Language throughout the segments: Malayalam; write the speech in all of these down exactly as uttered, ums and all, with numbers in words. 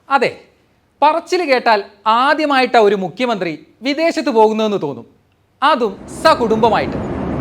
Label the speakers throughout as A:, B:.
A: അതെ, പറച്ചിൽ കേട്ടാൽ ആദ്യമായിട്ടാ ഒരു മുഖ്യമന്ത്രി വിദേശത്ത് പോകുന്നതെന്ന് തോന്നും, അതും സകുടുംബമായിട്ട്.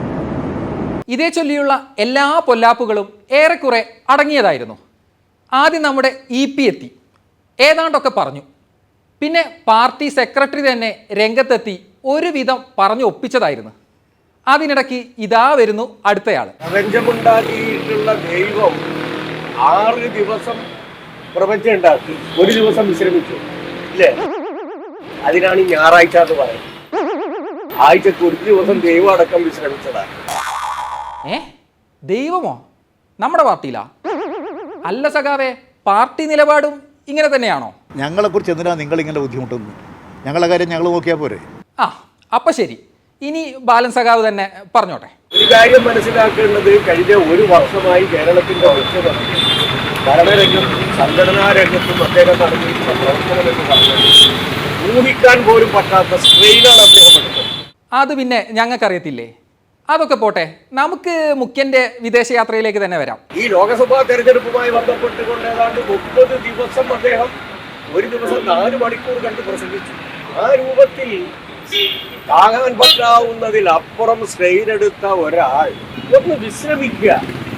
A: ഇതേ ചൊല്ലിയുള്ള എല്ലാ പൊല്ലാപ്പുകളും ഏറെക്കുറെ അടങ്ങിയതായിരുന്നു. ആദ്യം നമ്മുടെ ഇ പി എത്തി, ഏതാണ്ടൊക്കെ പറഞ്ഞു. പിന്നെ പാർട്ടി സെക്രട്ടറി തന്നെ രംഗത്തെത്തി ഒരുവിധം പറഞ്ഞു ഒപ്പിച്ചതായിരുന്നു. അതിനിടയ്ക്ക് ഇതാ വരുന്നു അടുത്തയാൾ.
B: പ്രപഞ്ചമുണ്ടാക്കിയിട്ടുള്ള ദൈവം ആറ് ദിവസം പ്രപഞ്ചം ഉണ്ടാക്കി, ഒരു ദിവസം വിശ്രമിച്ചു ഇല്ലേ? അതിനാണ് ഈ ഞായറാഴ്ച എന്ന് പറയുന്നത്. ആഴ്ചക്ക് ഒരു ദിവസം ദൈവം അടക്കം വിശ്രമിച്ചതാണ്.
A: ഏ ദൈവമോ? നമ്മുടെ പാർട്ടിയിലാ? അല്ല സഖാവേ, പാർട്ടി നിലപാടും ഇങ്ങനെ തന്നെയാണോ?
C: ഞങ്ങളെ കുറിച്ച് എന്തിനാ നിങ്ങൾ ഇങ്ങനെ ബുദ്ധിമുട്ടുന്നു? ഞങ്ങളുടെ കാര്യം ഞങ്ങൾ നോക്കിയാൽ പോരെ?
A: ആ അപ്പൊ ശരി, ഇനി ബാലൻ സഖാവ് തന്നെ പറഞ്ഞോട്ടെ.
B: ഒരു കാര്യം മനസ്സിലാക്കേണ്ടത്, കഴിഞ്ഞ ഒരു വർഷമായി കേരളത്തിന്റെ മുഖ്യമന്ത്രി ഭരണരംഗത്തും സംഘടനാ രംഗത്തും അദ്ദേഹം നടത്തിയിട്ടുള്ള പ്രവർത്തനം എന്ന് പറഞ്ഞത് ഊഹിക്കാൻ പോലും പറ്റാത്ത സ്ട്രെയിനാണ് അദ്ദേഹം എടുത്തത്.
A: അത് പിന്നെ ഞങ്ങൾക്കറിയത്തില്ലേ? അതൊക്കെ പോട്ടെ, നമുക്ക് മുഖ്യന്റെ വിദേശയാത്രയിലേക്ക് തന്നെ വരാം.
B: ഈ ലോക്സഭാ തെരഞ്ഞെടുപ്പുമായി ബന്ധപ്പെട്ടുകൊണ്ട് ഏതാണ്ട് മുപ്പത് ദിവസം അദ്ദേഹം ഒരു ദിവസം നാല് മണിക്കൂർ കണ്ട് പ്രസംഗിച്ചു. ആ രൂപത്തിൽ താങ്ങാൻ പറ്റാവുന്നതിൽ അപ്പുറം സ്ട്രെയിൻ എടുത്ത ഒരാൾ ഒന്ന് വിശ്രമിക്കുക,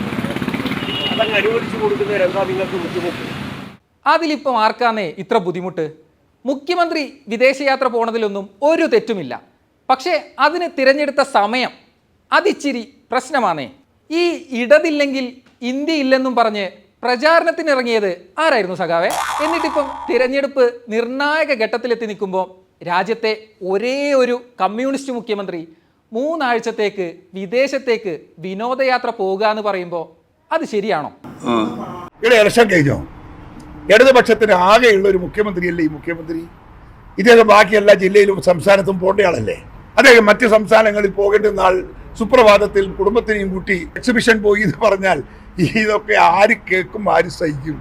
B: അതങ്ങ് അനുവദിച്ചു കൊടുക്കുന്നതിന് എന്താ നിങ്ങൾക്ക് ബുദ്ധിമുട്ട്?
A: അതിലിപ്പം ആർക്കാന്നേ ഇത്ര ബുദ്ധിമുട്ട്? മുഖ്യമന്ത്രി വിദേശയാത്ര പോണതിലൊന്നും ഒരു തെറ്റുമില്ല. പക്ഷേ അതിന് തിരഞ്ഞെടുത്ത സമയം അതിച്ചിരി പ്രശ്നമാണേ. ഈ ഇടതില്ലെങ്കിൽ ഇന്ത്യ ഇല്ലെന്നും പറഞ്ഞ് പ്രചാരണത്തിനിറങ്ങിയത് ആരായിരുന്നു സഖാവേ? എന്നിട്ടിപ്പം തിരഞ്ഞെടുപ്പ് നിർണായക ഘട്ടത്തിലെത്തി നിൽക്കുമ്പോൾ രാജ്യത്തെ ഒരേ ഒരു കമ്മ്യൂണിസ്റ്റ് മുഖ്യമന്ത്രി മൂന്നാഴ്ചത്തേക്ക് വിദേശത്തേക്ക് വിനോദയാത്ര പോകുക എന്ന് പറയുമ്പോൾ അത് ശരിയാണോ?
D: ഇവിടെ ഇലക്ഷൻ കഴിഞ്ഞോ? ഇടതുപക്ഷത്തിന് ആകെയുള്ള ഒരു മുഖ്യമന്ത്രിയല്ലേ ഈ മുഖ്യമന്ത്രി? ഇദ്ദേഹം ബാക്കി എല്ലാ ജില്ലയിലും സംസ്ഥാനത്തും പോകേണ്ടയാളല്ലേ? അദ്ദേഹം മറ്റ് സംസ്ഥാനങ്ങളിൽ പോകേണ്ട നാൾ സുപ്രഭാതത്തിൽ കുടുംബത്തിനെയും കൂട്ടി എക്സിബിഷൻ പോയി എന്ന് പറഞ്ഞാൽ ഇതൊക്കെ ആര് കേൾക്കും, ആര് സഹിക്കും?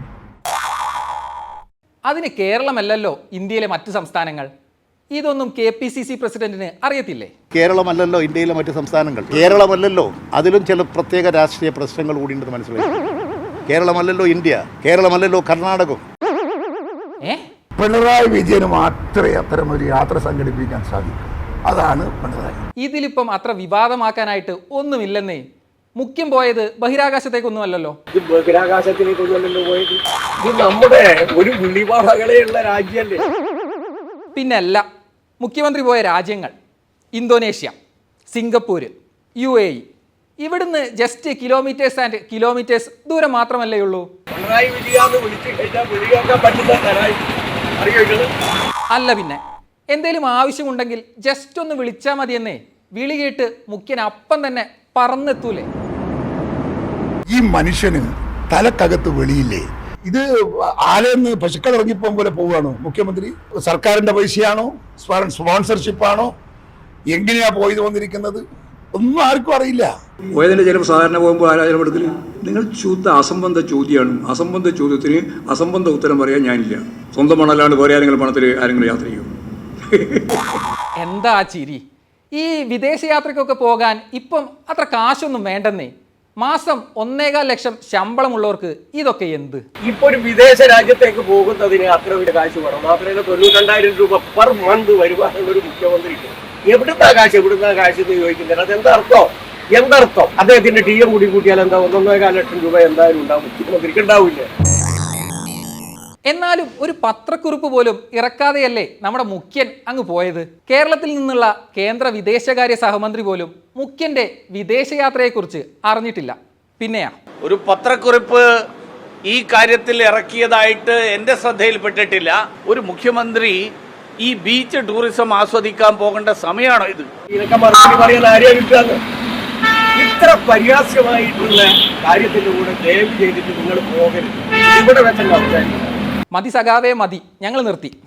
A: അതിന് കേരളമല്ലല്ലോ ഇന്ത്യയിലെ മറ്റ് സംസ്ഥാനങ്ങൾ. ഇതൊന്നും കെ പി സി സി പ്രസിഡന്റിന് അറിയത്തില്ലേ?
C: കേരളമല്ലല്ലോ ഇന്ത്യയിലെ മറ്റ് സംസ്ഥാനങ്ങൾ. കേരളമല്ലല്ലോ, അതിലും ചില പ്രത്യേക രാഷ്ട്രീയ പ്രശ്നങ്ങൾ കൂടി ഉണ്ടെന്ന് മനസ്സിലായി. കേരളമല്ലല്ലോ ഇന്ത്യ, കേരളമല്ലല്ലോ കർണാടകം.
A: ഏ
D: പിണറായി വിജയന് മാത്രമേ അത്തരം ഒരു യാത്ര സംഘടിപ്പിക്കാൻ സാധിക്കൂ. അതാണ് പിണറായി.
A: ഇതിലിപ്പം അത്ര വിവാദമാക്കാനായിട്ട് ഒന്നുമില്ലെന്നേ. മുഖ്യം പോയത് ബഹിരാകാശത്തേക്കൊന്നുമല്ലല്ലോ.
B: ഇത് ബഹിരാകാശത്തിലേക്കൊന്നുമല്ലല്ലോ പോയത്. ഇത് നമ്മുടെ ഒരു വിളിവാടകളെയുള്ള രാജ്യമല്ലേ?
A: പിന്നല്ല, മുഖ്യമന്ത്രി പോയ രാജ്യങ്ങൾ Indonesia, Singapore, U A E. ഇവിടുന്ന് ജസ്റ്റ് കിലോമീറ്റേഴ്സ് ആൻഡ് കിലോമീറ്റേഴ്സ് ദൂരം മാത്രമല്ലേ ഉള്ളൂ.
B: പിണറായി വിജയാന്ന് വിളിച്ചു കഴിഞ്ഞാൽ വിളിയാക്കാൻ പറ്റുന്ന അറിയോ?
A: അല്ല പിന്നെ എന്തേലും ആവശ്യമുണ്ടെങ്കിൽ ജസ്റ്റ് ഒന്ന് വിളിച്ചാൽ മതിയെന്നേ. വിളി കേട്ട് മുഖ്യൻ അപ്പം തന്നെ പറന്നെത്തൂലേ?
D: ഈ മനുഷ്യന് തലക്കകത്ത് വെളിയില്ലേ? ഇത് ആലെന്ന് പശുക്കൾ ഇറങ്ങിപ്പോ പോലെ പോവുകയാണോ മുഖ്യമന്ത്രി? സർക്കാരിന്റെ പൈസയാണോ, സ്പോൺസർഷിപ്പാണോ, എങ്ങനെയാ പോയത് വന്നിരിക്കുന്നത്? ഒന്നും ആർക്കും അറിയില്ല.
E: പോയതിൻ്റെ ചിലപ്പോൾ സാധാരണ പോകുമ്പോൾ ആരായാലും എടുക്കല് നിങ്ങൾ ശുദ്ധ അസംബന്ധ ചോദ്യമാണ്. അസംബന്ധ ചോദ്യത്തിന് അസംബന്ധ ഉത്തരം പറയാൻ ഞാനില്ല. സ്വന്തം പണമല്ലാണ്ട് വേറെ ആരെങ്കിലും പണത്തിൽ ആരെങ്കിലും യാത്ര ചെയ്യും?
A: എന്താ ചിരി? ഈ വിദേശയാത്രയ്ക്കൊക്കെ പോകാൻ ഇപ്പം അത്ര കാശൊന്നും വേണ്ടെന്നേ. മാസം ഒന്നേകാൽ ലക്ഷം ശമ്പളമുള്ളവർക്ക് ഇതൊക്കെ എന്ത്?
B: ഇപ്പൊ ഒരു വിദേശ രാജ്യത്തേക്ക് പോകുന്നതിന് അത്ര വലിയ കാശ് വേണം. മാത്രമല്ല തൊണ്ണൂറ്റി രണ്ടായിരം രൂപ പെർ മന്ത് വരുവാനുള്ള ഒരു മുഖ്യമന്ത്രിക്ക് എവിടുന്നാ കാശ് എവിടുന്നാ കാശ് എന്ന് ചോദിക്കുന്നത് അതെന്താ അർത്ഥം? എന്തർത്ഥം? അദ്ദേഹത്തിന്റെ ടി എം കൂടി കൂട്ടിയാൽ എന്താ ഒന്നൊന്നേകാൽ ലക്ഷം രൂപ എന്തായാലും ഉണ്ടാവും, മുഖ്യമന്ത്രിക്ക് ഉണ്ടാവില്ല.
A: എന്നാലും ഒരു പത്രക്കുറിപ്പ് പോലും ഇറക്കാതെയല്ലേ നമ്മുടെ മുഖ്യൻ അങ്ങ് പോയത്. കേരളത്തിൽ നിന്നുള്ള കേന്ദ്ര വിദേശകാര്യ സഹമന്ത്രി പോലും മുഖ്യന്റെ വിദേശയാത്രയെക്കുറിച്ച് അറിഞ്ഞിട്ടില്ല. പിന്നെയാ
F: ഒരു പത്രക്കുറിപ്പ് ഈ കാര്യത്തിൽ ഇറക്കിയതായിട്ട് എൻ്റെ ശ്രദ്ധയിൽപ്പെട്ടിട്ടില്ല. ഒരു മുഖ്യമന്ത്രി ഈ ബീച്ച് ടൂറിസം ആസ്വദിക്കാൻ പോകേണ്ട സമയമാണോ ഇത്?
B: ഇതൊക്കെ മറുപടി പറയാൻ ആരെയാണ് കിട്ടുക? ഇത്ര പര്യാസ്യമായിട്ടുള്ള കാര്യത്തിന്റെ കൂടെ ദയവ് ചെയ്തിട്ട് നിങ്ങൾ പോകരുത്. ഇവിടെ വെച്ചല്ല.
A: മതി സഖാവേ മതി, ഞങ്ങൾ നിർത്തി.